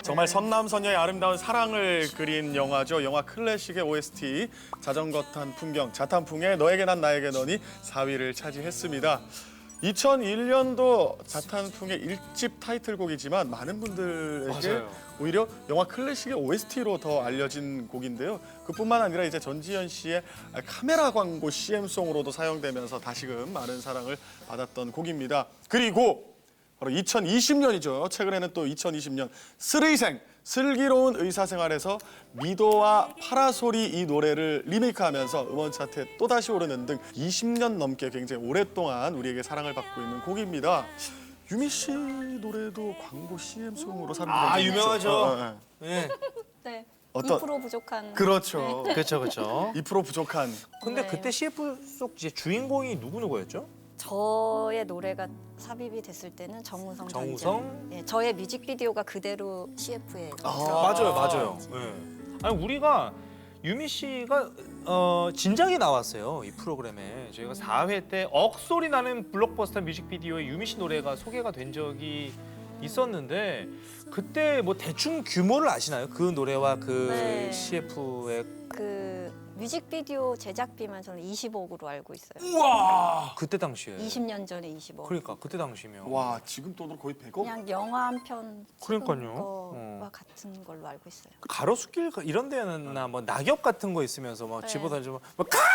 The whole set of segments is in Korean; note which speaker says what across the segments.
Speaker 1: 정말 선남선녀의 아름다운 사랑을 그린 영화죠. 영화 클래식의 OST 자전거 탄 풍경, 자탄풍의 너에게 난 나에게 너니 4위를 차지했습니다. 2001년도 자탄풍의 1집 타이틀곡이지만 많은 분들에게
Speaker 2: 맞아요.
Speaker 1: 오히려 영화 클래식의 OST로 더 알려진 곡인데요. 그뿐만 아니라 이제 전지현 씨의 카메라 광고 CM송으로도 사용되면서 다시금 많은 사랑을 받았던 곡입니다. 그리고 바로 2020년이죠. 최근에는 또 2020년 스르이생 슬기로운 의사생활에서 미도와 파라솔이 이 노래를 리메이크하면서 음원 차트에 또다시 오르는 등 20년 넘게 굉장히 오랫동안 우리에게 사랑을 받고 있는 곡입니다. 유미 씨 노래도 광고 CM송으로 사람들이
Speaker 2: 아, 유명하죠.
Speaker 1: 네.
Speaker 2: 네.
Speaker 3: 네.
Speaker 1: 어떤-
Speaker 3: 2% 부족한.
Speaker 1: 그렇죠.
Speaker 2: 그렇죠, 그렇죠.
Speaker 1: 2% 부족한.
Speaker 2: 근데
Speaker 3: 네.
Speaker 2: 그때 CF 속 이제 주인공이 누구였죠?
Speaker 3: 저의 노래가 삽입이 됐을 때는 정우성
Speaker 2: 정우성?
Speaker 3: 단장. 예, 저의 뮤직비디오가 그대로 CF에
Speaker 2: 맞아요, 맞아요. 네. 아니 우리가 유미 씨가 진작에 나왔어요 이 프로그램에. 저희가 4회 때 억소리 나는 블록버스터 뮤직비디오에 유미 씨 노래가 소개가 된 적이 있었는데 그때 뭐 대충 규모를 아시나요? 그 노래와 그
Speaker 3: 네.
Speaker 2: CF의
Speaker 3: 그 뮤직비디오 제작비만 저는 20억으로 알고 있어요.
Speaker 2: 우와 그때 당시에
Speaker 3: 20년 전에 20억.
Speaker 2: 그러니까 그때 당시면
Speaker 1: 와, 지금 돈으로 거의 100억?
Speaker 3: 그냥 영화 한 편
Speaker 2: 그러니까요.
Speaker 3: 거와 같은 걸로 알고 있어요.
Speaker 2: 가로수길 이런 데나 뭐 낙엽 같은 거 있으면서 막
Speaker 3: 네.
Speaker 2: 집어던지면 막 가!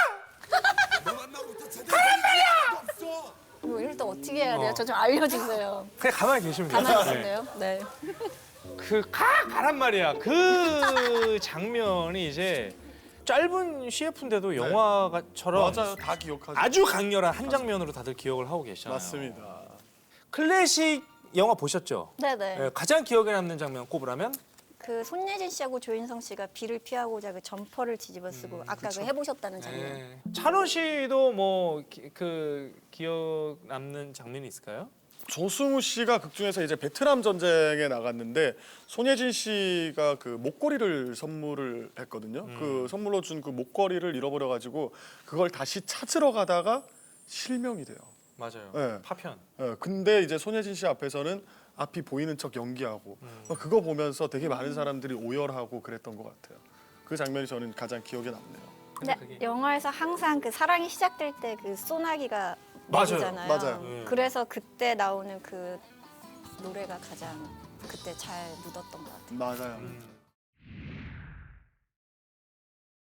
Speaker 3: 뭐 이럴 때 어떻게 해야 돼요?
Speaker 2: 어.
Speaker 3: 저 좀 알려주세요.
Speaker 2: 그냥 가만히 계시면 돼요.
Speaker 3: 가만히
Speaker 2: 네.
Speaker 3: 있을래요? 네.
Speaker 2: 가란 말이야. 그 장면이 이제 짧은 CF인데도 영화처럼
Speaker 1: 맞아요. 다 기억하죠.
Speaker 2: 아주 강렬한 한 장면으로 다들 기억을 하고 계시잖아요.
Speaker 1: 맞습니다.
Speaker 2: 클래식 영화 보셨죠?
Speaker 3: 네네.
Speaker 2: 네, 가장 기억에 남는 장면 꼽으라면?
Speaker 3: 그 손예진 씨하고 조인성 씨가 비를 피하고자 그 점퍼를 뒤집어 쓰고 아까 그 해보셨다는 장면.
Speaker 2: 네. 찬호 씨도 뭐 그 기억 남는 장면이 있을까요?
Speaker 1: 조승우 씨가 극 중에서 이제 베트남 전쟁에 나갔는데 손예진 씨가 그 목걸이를 선물을 했거든요. 그 선물로 준 그 목걸이를 잃어버려 가지고 그걸 다시 찾으러 가다가 실명이 돼요.
Speaker 2: 맞아요.
Speaker 1: 네.
Speaker 2: 파편.
Speaker 1: 근데 이제 손예진 씨 앞에서는 앞이 보이는 척 연기하고 그거 보면서 되게 많은 사람들이 오열하고 그랬던 것 같아요. 그 장면이 저는 가장 기억에 남네요.
Speaker 3: 근데
Speaker 2: 그게-
Speaker 3: 영화에서 항상 그 사랑이 시작될 때 그 소나기가
Speaker 2: 맞아요.
Speaker 3: 내리잖아요.
Speaker 1: 맞아요.
Speaker 2: 네.
Speaker 3: 그래서 그때 나오는 그 노래가 가장 그때 잘 묻었던 것 같아요.
Speaker 1: 맞아요.